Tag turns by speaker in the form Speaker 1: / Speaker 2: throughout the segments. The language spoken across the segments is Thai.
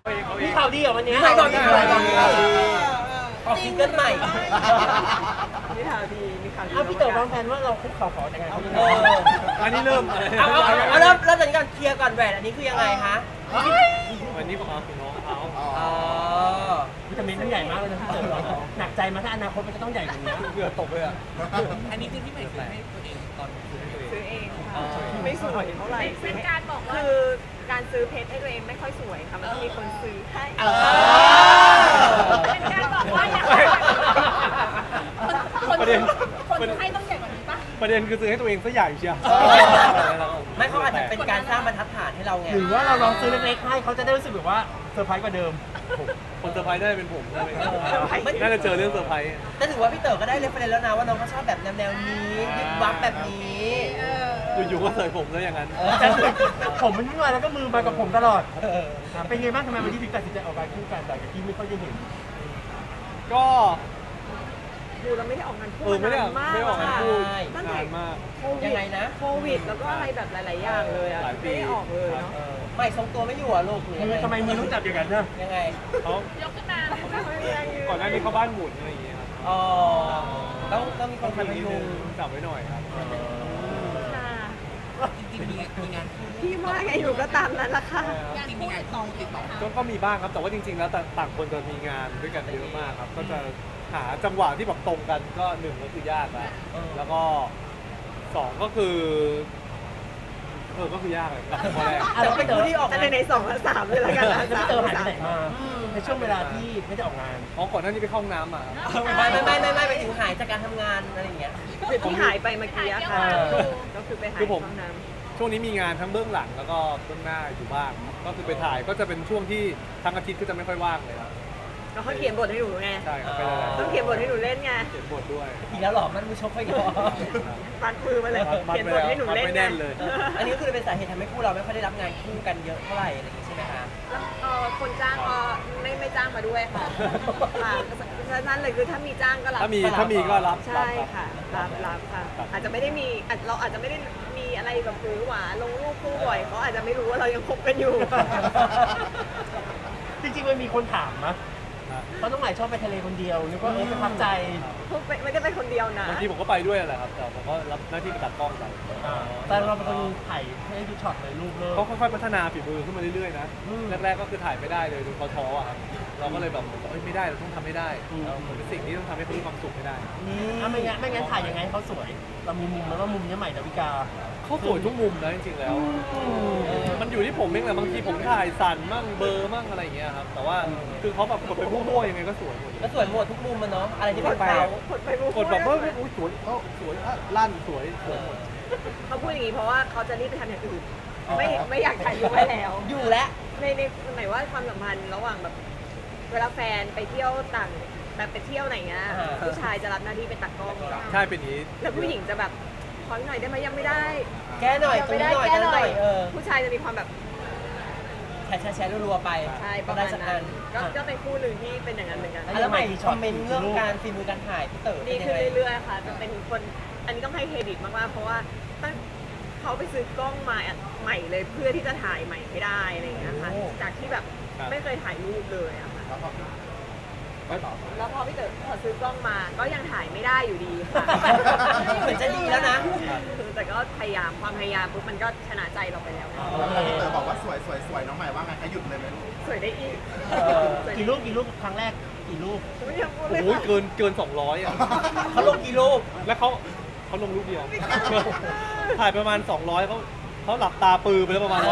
Speaker 1: มีข่าวดีเหรอวันนี้
Speaker 2: ใครบอกมีข่าวดี
Speaker 3: ออกซิงเกิลใหม่
Speaker 2: มีข่าวดีมีข่าวดี
Speaker 1: อ้าวพี่เต๋อวางแผนว่าเราคุกเข่าขอแต่งงานเขายังไง
Speaker 4: อันนี้เริ่มอะไร
Speaker 3: เอาเริ่มจากนี้ก่อนเคลียร์ก่อนแหวนอันนี้คือยังไงคะ
Speaker 4: วันนี้ผมเอาของน้องเขา
Speaker 3: อ๋อ
Speaker 1: วิตามินมันใหญ่มากเลยนะพี่เต๋อหนักใจมาถ้าอนาคตมันจะต้องใหญ่กว่านี้
Speaker 4: เหงื่อตกเลยอ่ะ
Speaker 5: อันนี้คือที่ใหม่ซื้อให้ตัวเองตอนซื้อให้ตัวเอง
Speaker 2: ซื้อเองค่ะไม่สวยเท่าไหร่
Speaker 6: เป็นการบอกว่า
Speaker 2: คือการซื้อเพชรให้ตัวเองไม่ค่อยสวยค่ะมันต้องมีคนซื้อให้
Speaker 6: เป็นการบอกว่าอยากคนให้ต้องใหญ่กว่านี้ปะ
Speaker 4: ประเด็นคือซื้อให้ตัวเองซะใหญ่เชียว
Speaker 3: ไม่เขาอาจจะเป็นการสร้างบรรทัดฐานให้เราไง
Speaker 1: หรือว่าเราลองซื้อเล็กๆให้เขาจะได้รู้สึกแบบว่าเซอร์ไพรส์กว่าเดิม
Speaker 4: คนเซอร์ไพรส์ได้เป็นผมได้ไหมน่าจะเจอเรื่องเซอร์ไพรส์
Speaker 3: แต่ถือว่าพี่เต๋อก็ได้เรฟเฟรนซ์แล้วนะว่าน้องเขาชอบแบบแนวนี้วิบวับแบบนี้
Speaker 4: อยู่ๆก็เสยผมซะอย่างนั้น
Speaker 1: ผมมันไม่มาแล้วก็มือมากับผมตลอดเป็นไงบ้างทำไมวันนี้ถึงตัดสินใจออกมาคู่กันแต่ที่ไม่ค่อยได้เห็น
Speaker 4: ก็
Speaker 2: ดูเราไม่ได้ออกงานคู่
Speaker 4: ไม่ได้
Speaker 2: นานมาก
Speaker 4: ไม่ได้ออกงานคู่
Speaker 2: ตั้ง
Speaker 4: นา
Speaker 2: แต่
Speaker 4: นมาก
Speaker 2: โควิด
Speaker 3: ยังไงนะ
Speaker 2: โควิดแล้วก็อะไรแบบหลายๆอย่างเลยอ่ะ
Speaker 4: หลายปี
Speaker 2: ไม่ได้ออกเลยเนาะ
Speaker 3: ไม่ทรงตัวไม่อยู่อ่ะลูกหรือยังไง
Speaker 1: ทำไมมือต้องจับอย่างนั้นนะ
Speaker 3: ยังไง
Speaker 4: เขา
Speaker 6: ยกขึ้นมา
Speaker 4: ก่อนหน้านี้เขาบ้านหมุนอะไรอย่างเงี้ยครับ
Speaker 3: อ๋อต้องมีคนคอยพยุง
Speaker 4: จับไว้หน่อยครับ
Speaker 2: ค่ะ
Speaker 5: จริงๆมีงานคู่
Speaker 2: พี่ว่าไงอยู่ก็ตามนั้นละค่ะ
Speaker 5: จริงๆมีงานคู่ติดต่อ
Speaker 4: ก็มีบ้างครับแต่ว่าจริงๆแล้วต่างคนจะมีงานด้วยกันเยอะมากครับก็จะหาจังหวะที่แบบตรงกันก็หนึ่งก็คือยากแล้วแล้วก็สองก็คือก็คือยากเลยข้อแรก
Speaker 3: แต่เป็นคู่ที่ออก
Speaker 2: แต่
Speaker 3: งาน
Speaker 2: ในสองและสามเลยละกันนะ
Speaker 1: แล้วพี่เต๋อหายไปไหนมาในช่วงเวลาที่ไม่ได้ออกงาน
Speaker 4: อ๋อก่อนหน้านี้ไปเข้าห้องน้ำมาครับ
Speaker 3: ไม่ไปถึงหายจากการทำงานอะไรอย่างเงี้ย
Speaker 2: ที่หายไปเมื่อกี้อะค่ะก็คือไปหายห้องน้ำ
Speaker 4: ช่วงนี้มีงานทั้งเบื้องหลังแล้วก็เบื้องหน้าอยู่บ้างก็คือไปถ่ายก็จะเป็นช่วงที่ทั้งอาทิตย์ก็จะไม่ค่อยว่างเลยครับ
Speaker 2: ก็เขาเขียนบทให้หนูไง
Speaker 4: ใช่ครับไปหลายๆ
Speaker 2: ต้องเขียนบทให้หนูเล่นไง
Speaker 4: เขียนบทด้วย
Speaker 3: อีกแล้วหรอมันมือชกไปอีกแล้ว
Speaker 2: ปัดมือมาเลย
Speaker 4: มัด
Speaker 2: เขียนบทให้หนูเล่น
Speaker 4: มัดไม่
Speaker 2: ไง
Speaker 4: แน่นเลย
Speaker 3: อันนี้ก็คือเป็นสาเหตุทำให้คู่เราไม่ค่อยได้รับงานคู่กันเยอะเท่าไหร่อะไรอย่างงี้ใช่ไหมคะ
Speaker 2: แล้วคนจ้างก็ไม่จ้างมาด้วยค่ะค่ะฉะนั้นเลยคือถ้ามีจ้างก็รับ
Speaker 4: ถ้ามีก็รับ
Speaker 2: ใช่ค่ะรับค่ะ อาจจะไม่ได้มีเราอาจจะไม่ได้มีอะไรแบบหวือหวาลงรูปคู่บ่อยเขาอาจจะไม่รู้ว่าเรายังคบกันอยู่
Speaker 1: จริงๆมันมีคนถามนะเพราะน้องใหม่ชอบไปทะเลคนเดียวนึกว่าประทับใจ
Speaker 2: ไม่ได้ไปคนเดียวนะ
Speaker 4: บางทีผมก็ไปด้วยแหละครับแต่ผมก็รับหน้าที่ไปตัดกล้องไป
Speaker 1: แต่เราเป็นคนถ่ายให้ดูช็อตเลยรูปเลย
Speaker 4: เขาค่อยๆพัฒนาฝีมือขึ้นมาเรื่อยๆนะแรกๆก็คือถ่ายไม่ได้เลยจนเขาท้ออ่ะครับเราก็เลยแบบไม่ได้เราต้องทำให้ได้มันเป็นสิ่งที่ต้องทำให้เขามีความสุขให้ได้
Speaker 1: ไม่งั้นถ่ายยังไงให้เขาสวย เรามีมุมแล้วว่ามุมนี้ใหม่ดาวิกา
Speaker 4: เขาสวยทุกมุมนะจริงๆแล้วมันอยู่ที่ผมเองแหละบางทีผมถ่ายสั่นมั่งเบลอร์มั่งอะไรอย่างเงี้ยครับแต่ว่าคือเขาแบบกดไปมั่วๆยังไงก็สวยหมด
Speaker 3: ก็สวยหมดทุกมุมมันเนาะอะไรที่
Speaker 2: ก
Speaker 3: เป็
Speaker 2: ด
Speaker 3: น
Speaker 2: ไป
Speaker 3: เขา
Speaker 2: กดไปมุก
Speaker 4: กดแบบว่าอุ้ยสวยสวยลั่นสวยหมด
Speaker 2: เขาพูดอย่างนี้เพราะว่าเขาจะรีบไปทำอย่างอื่นไม่อยากถ่ายรูปไว้แล้ว
Speaker 3: อยู่แล้ว
Speaker 2: ในหมายว่าความสัมพันธ์ระหว่างแบบเวลาแฟนไปเที่ยวต่างแบบไปเที่ยวไหนเงี้ยผู้ชายจะรับหน้าที่เป็นตากล้อง
Speaker 4: ใช่เป็นอย่างนี้
Speaker 2: แล้วผู้หญิงจะแบบขอหน่อยได้ไหมยังไม่ได้
Speaker 3: แก้หน่อยตรง
Speaker 2: ไม่
Speaker 3: นี้
Speaker 2: ได้
Speaker 3: หน่อย
Speaker 2: แก้
Speaker 3: ตรง
Speaker 2: ห
Speaker 3: นี้
Speaker 2: น่
Speaker 3: ห
Speaker 2: อ
Speaker 3: น่อย ย
Speaker 2: ผู้ชายจะมีความแบบ
Speaker 3: แชร์รัวๆไป
Speaker 2: ใช่ป
Speaker 3: ก็
Speaker 2: ระ
Speaker 3: ได้
Speaker 2: มาณ
Speaker 3: สัก
Speaker 2: นั้
Speaker 3: อั
Speaker 2: น
Speaker 3: น
Speaker 2: ก็เป็นคู่หนึ่งที่เป็นอย่างนั้นเหมือนกัน
Speaker 3: แล้วใหม่คอมเมนต์เรื่องการฝีมือการถ่ายพี่เต๋อ
Speaker 2: ดี
Speaker 3: เป็นยั
Speaker 2: ขึ้
Speaker 3: ง
Speaker 2: น
Speaker 3: ไง
Speaker 2: เรื่อยๆค่ะจะเป็นคนอันนี้ต้องให้เครดิตมากๆเพราะว่าตั้งเขาไปซื้อกล้องมาใหม่เลยเพื่อที่จะถ่ายใหม่ให้ได้อะไรอย่างเงี้ยค่ะจากที่แบบไม่เคยถ่ายรูปเลยอะค่ะแล้วพอพี่เต๋อพอซื้อกล้องมาก็ยังถ่ายไม่ได้อยู่ดีค่ะ
Speaker 3: เหมือนจะดีแล้วนะ
Speaker 2: แต่ก็พยายามความพยายามปุ๊บมันก็ชนะใจเราไปแล้ว
Speaker 7: พี่เต๋อบอกว่าสวยน้องใหม่ว่าไงคะหยุดเลยไหมลูก
Speaker 2: สวยได้อีก
Speaker 1: กี่รูปครั้งแรกกี่รูป
Speaker 2: ไม่อยากพูดเลย
Speaker 4: โอ้ย
Speaker 2: ค่ะ
Speaker 4: เกิน200อ่ะ
Speaker 3: เขาลงกี่รูป
Speaker 4: แล้วเขาลงรูปเดียวถ่ายประมาณ200เขาหลับตาปือไปแล้วประมาณ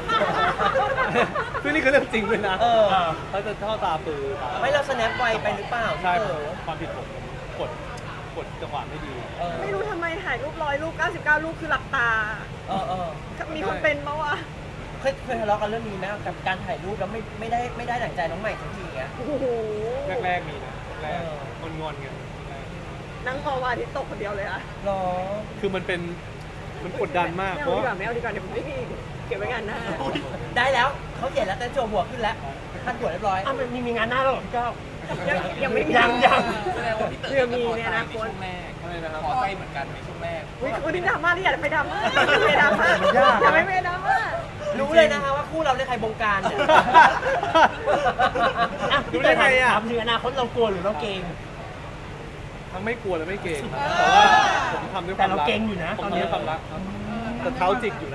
Speaker 4: 150ซึ่งนี่คือเรื่องจริงเลยนะเขาจะท่อตาปือ
Speaker 3: ไม่เราสแนปไวไปหรือเปล่า
Speaker 4: ใช่
Speaker 3: พี่เต๋อ
Speaker 4: ความผิดผมกดจังหวะไม่ดี
Speaker 2: ไม่รู้ทำไมถ่ายรูป100รูป99รูปคือหลับตา มีคนเป็นปะวะ
Speaker 3: เคยทะเลาะกันเรื่องนี้ไหมกับการถ่ายรูปแล้วไม่ได้ดั่งใจน้องใหม่สักทีเงี้ย
Speaker 2: โอ้โห
Speaker 4: แรกๆมีนะแรกงอนๆกันแรก
Speaker 2: นั่งมองวันอาทิตย์ตกคนเดียวเลยอะ
Speaker 3: หรอ
Speaker 4: คือมันกดดันมาก
Speaker 2: ไม่
Speaker 4: เพ
Speaker 2: เอา
Speaker 4: ราะ
Speaker 2: ดีกว่าไม่เอาดีกว่าเดี๋ยวมันไม่มีเก็บไว้งานหน้า
Speaker 3: ได้แล้วเขาเขียนแล้วแต่โจหัวขึ้นแล้วขั้นหัวเรียบร้อย
Speaker 1: อ้าวมันมีงานหน้าแล้วเหรอพี่ก้าว
Speaker 2: ยังไม่มี
Speaker 1: ยัง
Speaker 5: แสดงว่าพี่เต๋อ
Speaker 2: เพื่อมีในอนาคต
Speaker 5: ช่วงแรก
Speaker 4: อะไรนะครับ
Speaker 5: ขอใจเหมือนกันในช่วงแรก
Speaker 2: อุ๊ยคุณนี่ดราม่าที่อยากไปดราม่าไม่ดราม่าอย่าไม่ดราม่า
Speaker 3: รู้เลยนะคะว่าคู่เราเนี่ยใครบงการเนี่ย
Speaker 1: อ่ะ
Speaker 4: รู้ได้ไงอ่ะ
Speaker 1: ถามถึงอนาคตเรากลัวหรือเราเกรง
Speaker 4: ทั้งไม่กลัวและไม่เกรงครับแต่ว่าผมทำด้วยค
Speaker 1: แต่
Speaker 4: วามรัก
Speaker 1: เราเกรงอยู่นะ
Speaker 4: ผม
Speaker 1: ตอน
Speaker 4: ทำ
Speaker 1: นี้
Speaker 4: ด้วยความรักครับแต่เท้าจิกอยู่นะ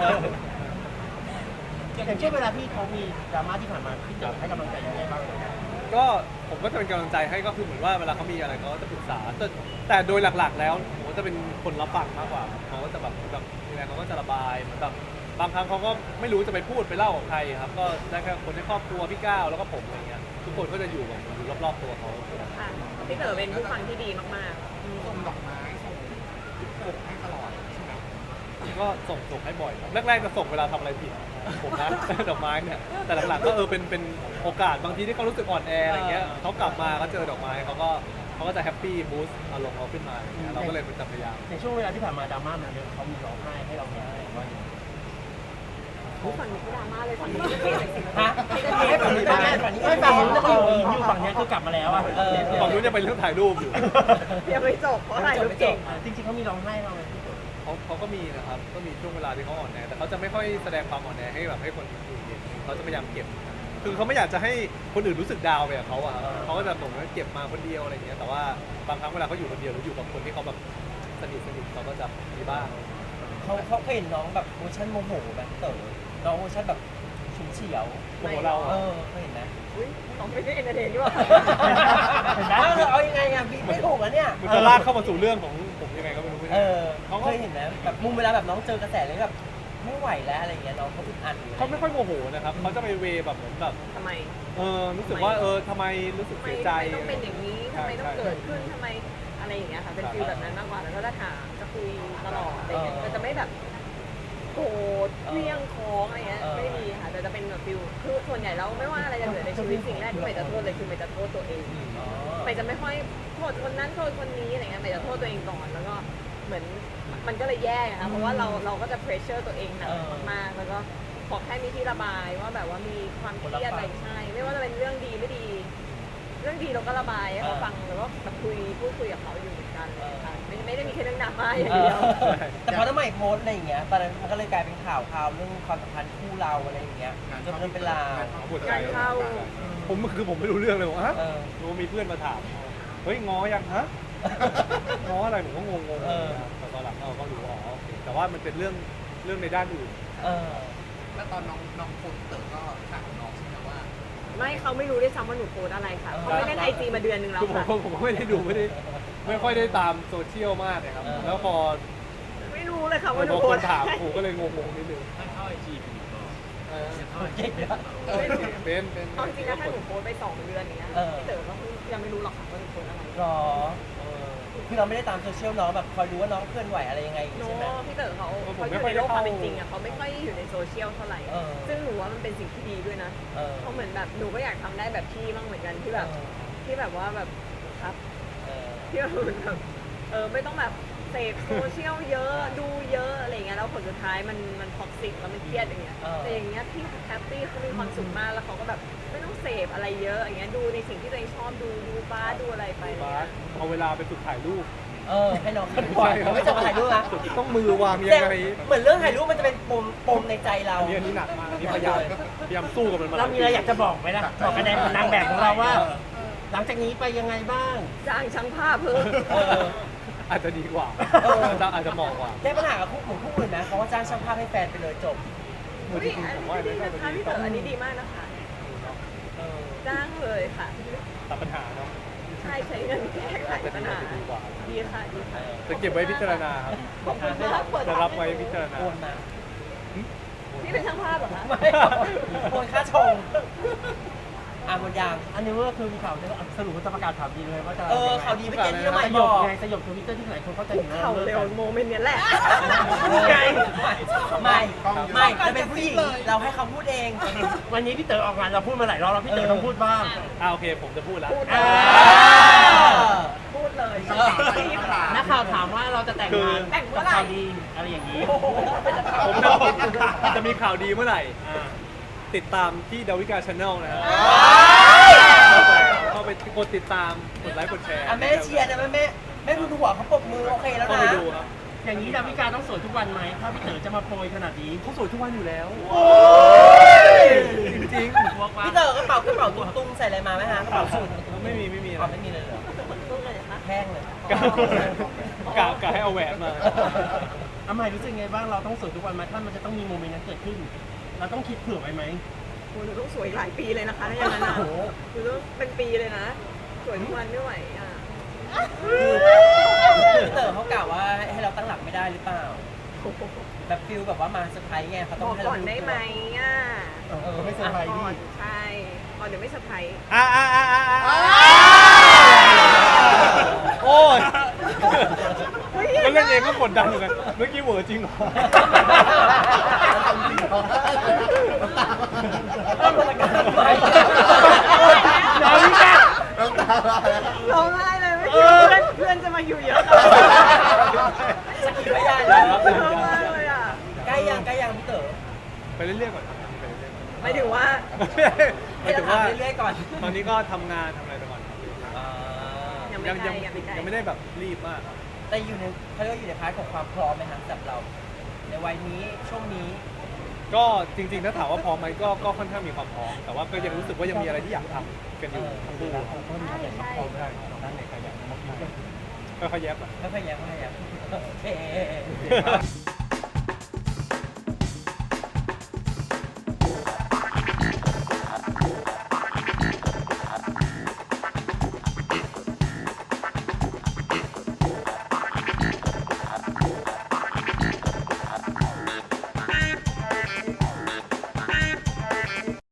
Speaker 1: อย่างเช่นเวลาที่เขามีดราม่าที่ผ่านมาพี่เต๋อให้กำลังใจยังไงบ้าง
Speaker 4: ก็ผมก็จะเป็นกำลังใจให้ก็คือเหมือนว่าเวลาเขามีอะไรเขาจะปรึกษาแต่โดยหลักๆ แล้วผมก็จะเป็นคนรับฟังมากกว่าเขาก็จะแบบมีอะไรเขาก็จะระบายเหมือนแบบบางครั้งเขาก็ไม่รู้จะไปพูดไปเล่ากับใครครับก็ได้แค่คนในครอบครัวพี่ก้าวแล้วก็ผมอะไรเงี้ยทุกคนก็จะอยู่แบบอยู่รอบๆตัวเขา
Speaker 2: ค่ะพี่เต๋อเป็นผู้ฟังที่ดีมากๆ
Speaker 5: ส่งดอกไม้ส่งปกให้ตลอดใช่ไหม
Speaker 4: ก็ส่งให้บ่อยครับแรกๆจะส่งเวลาทำอะไรผิดผมนะ ดอกไม้เนี่ยแต่หลังๆก็เป็นโอกาสบางทีที่เขารู้สึกอ่อนแออะไรเงี้ยเขากลับมาก็เจอดอกไม้เขาก็จะแฮปปี้บูสต์อารมณ์เขาขึ้นมาอย่างเงี้ยเราก็เลยเป็นพยายาม
Speaker 1: ในช่วงเวลาที่ผ่านมาดราม่ามันเยอะเขามีร้องไห้ให้เราเห็นไหมว่าอย่างไร
Speaker 2: ผู้ฟังนี้ก็ดราม่าเลยฝั่งนี้ก็เป็นเลยสิ
Speaker 3: ฮะให้ฝั่งนี้ได้ฝั่งนี้
Speaker 1: ไม่ฝั่งนู้นแล้วก็อยู่ฝั่งเนี้ยคือกลับมาแล้วอ่ะ
Speaker 4: ฝั่งนู้นจะเป็นเรื่องถ่ายรูปอยู่
Speaker 2: ยังไม่จบเพราะถ่ายรูปเก่ง
Speaker 1: จริงๆเขามีร้องไห้เราไหมพี่เต๋อ
Speaker 4: เขาก็มีนะครับก็มีช่วงเวลาที่เขาอ่อนแอแต่เขาจะไม่ค่อยแสดงความอ่อนแอให้แบบให้คนอื่นเห็นเขาจะพยายามเก็บคือเขาไม่อยากจะให้คนอื่นรู้สึกดาวไปกับเขาอะครับเขาก็จะบอกว่าเก็บมาคนเดียวอะไรอย่างเงี้ยแต่ว่าบางครั้งเวลาเขาอยู่คนเดียวหรืออยู่กับคนที่เขาแบบสนิทเขาก็จะมีบ้าง
Speaker 3: เขาเคยเห็นน้องแบบเวอร์ชันโมโหแบบเต๋อน้องเวอร์ชันแบบฉุนเฉียว
Speaker 4: โมโหเรา
Speaker 3: เอ
Speaker 4: อะ
Speaker 3: อเคยเห็นไหม
Speaker 2: อุ้ยน้องไม่ได้เอนเตอร์เทนนี่หว่า
Speaker 1: เห็นไหม
Speaker 3: เอายังไงอ่ะพี่ไม่ถูกอ่ะเนี่ย
Speaker 4: มันจะลากเข้ามาสู่เรื่องของผมยังไงก็ไม่รู้ไม่
Speaker 3: เอ
Speaker 4: ได้
Speaker 3: อเขาเคยเห็นนะแบบมุมเวลาแบบน้องเจอกระแสเลยแบบไม่ไหวแล้วอะไรเงี้ยน้องเขาอึดอัดอยู่
Speaker 4: เขาไม่ค่อยโมโหนะครับเขาจะไปเวแบบเหมือนแบบ
Speaker 2: ทำไม
Speaker 4: รู้สึกว่าทำไมรู้สึก
Speaker 2: ทำไม
Speaker 4: เสียใจ
Speaker 2: ต้องเป็นอย่างนี้ทำไมต้องเกิดขึ้นทำไมอะไรอย่างเงี้ยค่ะเป็นฟีลแบบนั้นมากกว่าแล้วก็จะถามจะคุยตลอดอะไรเงี้ยแต่จะไม่แบบโกรธเลี่ยงค้องอะไรเงี้ยไม่มีค่ะแต่จะเป็นแบบฟีลคือส่วนใหญ่แล้วไม่ว่าอะไรจะเกิดในชีวิตสิ่งแรกที่ใหม่จะโทษเลยคือใหม่จะโทษตัวเอง
Speaker 3: อ๋อ
Speaker 2: ใหม่จะไม่ค่อยโทษคนนั้นโทษคนนี้อะไรเงี้ยใหม่จะโทษตัวเองก่อนแล้วก็เหมือนมันก็เลยแย่ค่ะเพราะว่าเราก็จะเพรสเชอร์ตัวเองหนักมากๆแล้วก็ขอแค่มีที่ระบายว่าแบบว่ามีความเครียดอะไรใช่ไม่ว่าจะเป็นเรื่องดีไม่ดี เรื่องดีเราก็ระบายให้เขาฟังแล้วก็แบบพูดคุยกับเขาอยู่เหมือนกันเลยค่ะไม่ได้มีแค่เรื่องดราม่าอย่างเดียว
Speaker 3: แต่พอน้ำใหม่โพสต์อะไรอย่างเงี้ยตอนนั้นมันก็เลยกลายเป็นข่าวเรื่องความสัมพันธ์คู่เราอะไรอย่างเงี้ยจนเป็นราว
Speaker 2: การเข้า
Speaker 4: ผมไม่รู้เรื่องเลยผมฮะ
Speaker 3: เออ
Speaker 4: รู้มีเพื่อนมาถามเฮ้ยง้อยังฮะ ง้ออะไรผมก็งงๆแต่ตอนหลังเราก็รู้อ๋อโอเคแต่ว่ามันเป็นเรื่องในด้านอื่น
Speaker 3: เออ
Speaker 5: แล้วตอนน้องคนเต๋อก็ถามน้องใช่ไหมว่า
Speaker 2: ไม่เขาไม่รู้ด้วยซ้ำว่าหนูโพสอะไรค่ะเขาไม่เล่นไอจีมาเดือนนึงแล้ว
Speaker 4: คือ
Speaker 2: ค่ะ
Speaker 4: ผมก็ไม่ได้ดูไม่ค่อยได้ตามโซเชียลมากนะครับ แล้วพอ
Speaker 2: ไม่รู้เลยค่ะว่าห
Speaker 4: พ
Speaker 2: นู
Speaker 4: อ
Speaker 2: โพ
Speaker 4: ค
Speaker 2: ส
Speaker 4: นถามผมก็เลยงงๆนิดนึง
Speaker 3: เก่งนะ
Speaker 4: เป็น
Speaker 2: เอาจริงนะถ้าหนูโพสไป2 เดือนอย่างเงี้ยพี่เต๋อก็ยังไม่รู้หรอกค่ะว่าหนูโพสอะไร
Speaker 3: หรอคือเราไม่ได้ตามโซเชียลน้องแบบคอยรู้ว่าน้องเคลื่อนไหวอะไรยังไงอย่าง
Speaker 2: โน้
Speaker 3: งี้ใช่ไหม
Speaker 2: พี่เต๋อเขาอยู่ในโลกความเป็นจริงอ่ะเขาไม่ค่อยอยู่ในโซเชียลเท่าไหร่ ซึ่งหนูว่ามันเป็นสิ่งที่ดีด้วยนะ เขาเหมือนแบบหนูก็อยากทำได้แบบพี่บ้างเหมือนกันที่แบบว่าแบบครับที่แบบไม่ต้องแบบเสพโซเชียลเยอะดูเยอะอะไรอย่างเงี้ยแล้วผลสุดท้ายมันท็อกซิกแล้วมันเครียดอย่างเงี้ยแต่อย่างเงี้ยพี่แฮปปี้เขามีความสุขมากแล้วเขาก็แบบไม่ต้องเสพอะไรเยอะอย่างเงี้ยดูในสิ่งที่ตัวเองชอบดูบาสดูอะไรไปอะไร
Speaker 4: บา
Speaker 2: เงี้
Speaker 4: ส
Speaker 2: ย
Speaker 4: เอาเวลาไปฝึกถ่ายรูป
Speaker 3: ให้น้องถ่ายบ่อยเขาไม่จะมาถ่ายรูปนะ
Speaker 4: ต้องมือวางยังไง
Speaker 3: เหมือนเรื่องถ่ายรูปมันจะเป็นปมในใจเรา
Speaker 4: อันนี้หนักมากอันนี้พยายามสู้กับมันมา
Speaker 1: เรามีอะไรอยากจะบอกไหมล่ะบอกกับนางแบบของเราว่า หลังจากนี้ไปยังไงบ้าง
Speaker 2: จ้างช่างภาพเพิ่ม
Speaker 4: อาจจะดีกว่าอาจจะเหมาะกว่า
Speaker 3: ได้ปัญหากับคู่อื่นนะเขาว่าจ้างช่างภาพให้แฟนไปเลยจบ
Speaker 2: อุ๊ยอันนี้ดีนะคะพี่เต๋ออันนี้ดีมากนะคะจ้างเลยค่ะ
Speaker 4: ตัดปัญหาเนาะ
Speaker 2: ใช่ใช้เงินแก้ไขปัญหาดีค่ะดีค่ะ
Speaker 4: จะเก็บไว้พิจารณาครับ
Speaker 2: ขอบคุณมากเปิด
Speaker 4: จะรับไว้พิจารณา
Speaker 3: โอนมา
Speaker 2: พี่เป็นช่างภาพเหรอคะ
Speaker 3: ไม่โอนค่าชงหมดยาง
Speaker 1: อันนี้ก็คือมีข่าวสรุปว่าจะประกาศข่าวดีเลยว่าจะ
Speaker 3: ข่าวดีไม่เก่งที่น้องใหม่
Speaker 1: ส
Speaker 3: บ
Speaker 1: ย
Speaker 3: อบ ก
Speaker 1: ไงสยบทวิตเตอร์ที่หลายคนเข้าใจอยู่แล้ว
Speaker 2: เข่าเร็วโมเมนต์เนี้ยแหละ
Speaker 3: ไงไม่จะเป็นผู้หญิงเราให้เขาพูดเอง
Speaker 1: วันนี้พี่เต๋อออกงานเราพูดมาหลายรอบแล้วพี่เต๋อต้องพูดบ้าง
Speaker 4: โอเคผมจะพูดแล้ว
Speaker 2: พูดเลย
Speaker 1: นักข่าวถามว่าเราจะแต่งงาน
Speaker 2: แต่งเมื่อไหร่
Speaker 1: ข่าวดีอะไรอย่างนี้
Speaker 4: ผมจะมีข่าวดีเมื่อไหร่ ติดตามที่ดาวิกาชาแนลนะครับเข้าไปกดติดตามกดไลค์กดแชร์
Speaker 3: แม่เชียร์นะแม่ดูหัวเขาปรบมือโอเคแล้ว
Speaker 4: เข้า
Speaker 3: นะ
Speaker 4: ไปดูครับ
Speaker 1: อย่างนี้ดาวิกาต้องสวยทุกวันไหมถ้าพี่เต๋อจะมาโปรยขนาดนี้
Speaker 4: เขาสวยทุกวันอยู่แล้ว
Speaker 3: โอ้ใส่อะไรมาไหมฮะกระเป๋าสูท
Speaker 4: ไม่มีไม่มี
Speaker 3: อ๋อไม่มีเลยเหรอ
Speaker 2: ตู้เลยนะคะ
Speaker 3: แห้งเลย
Speaker 4: กะให้เอาแหวนมา
Speaker 1: อาใหม่รู้สึกไงบ้างเราต้องสวยทุกวันไหมถ้ามันจะต้องมีโมเมนต์นั้นเกิดขึ้น เราต้องคิดเผื่อไว้ไหม
Speaker 2: โหหนูต้องสวยหลายปีเลยนะคะถ้าอย่างนั้นอ่ะ
Speaker 1: โอ้โห
Speaker 2: หนูต้องเป็นปีเลยนะ สวยทุกวันไม่ไหวอ่ะ
Speaker 3: พี่เต๋อเขากล่าวว่าให้เราตั้งหลักไม่ได้หรือเปล่า แบบฟิลแบบว่ามาเซอร์ไพรส์ไงเขา
Speaker 2: บ
Speaker 3: ต้อง
Speaker 2: อก
Speaker 3: ให้
Speaker 2: ก่
Speaker 3: เรา
Speaker 2: อนได้ไหมอ่ะ
Speaker 1: ไม่เซอร์ไพรส์ดิ
Speaker 2: ใช่ก่อนเดี๋ยวไม่เซอร์ไพรส์
Speaker 4: โอ้ย
Speaker 2: เฮ้ย
Speaker 4: แล้วเล่นเองก็กดดันเหมือนกันเมื่อกี้เหวอจริงเหรอ
Speaker 3: ต้องมาการทำไม
Speaker 1: น้ำแก
Speaker 7: น้ำตาลายแล้ว
Speaker 2: ร้องไห้เลยไม่คิดว่าเพื่อนจะมาอยู่เยอะขนาดนี้
Speaker 3: สกิลไม่ได้เลย
Speaker 2: เยอะมากเลยอ่ะ
Speaker 3: ใกล้ยังพี่เต๋อ
Speaker 4: ไปเรื่อยๆก่อนครับไปเรื่อยๆ
Speaker 2: หมายถึงว่า
Speaker 4: หมายถึงว่า
Speaker 3: เรื่อยๆก่อน
Speaker 4: ตอนนี้ก็ทำงานทำอะไรไปก่อนครับ
Speaker 2: ยังไม่
Speaker 4: ยัง
Speaker 2: ใกล้
Speaker 4: ยัง
Speaker 2: ยังไม่ใกล้
Speaker 4: ยังไม่ได้แบบรีบมากครับ
Speaker 3: แต่อยู่ในเขาเรียกว่าอยู่ในพาร์ทของความพร้อมไหมครับสำหรับเรา ในวัยนี้ช่วงนี้
Speaker 4: ก็จริงๆถ้าถามว่าพร้อมไหมก็ค่อนข้างมีความพร้อมแต่ว่าก็ยังรู้สึกว่ายังมีอะไรที่อยากทำกันอยู่ทั้งคู่
Speaker 6: ใช่ใช่
Speaker 4: ค่อยๆแยบอะ
Speaker 3: ไม่พยายามโอเค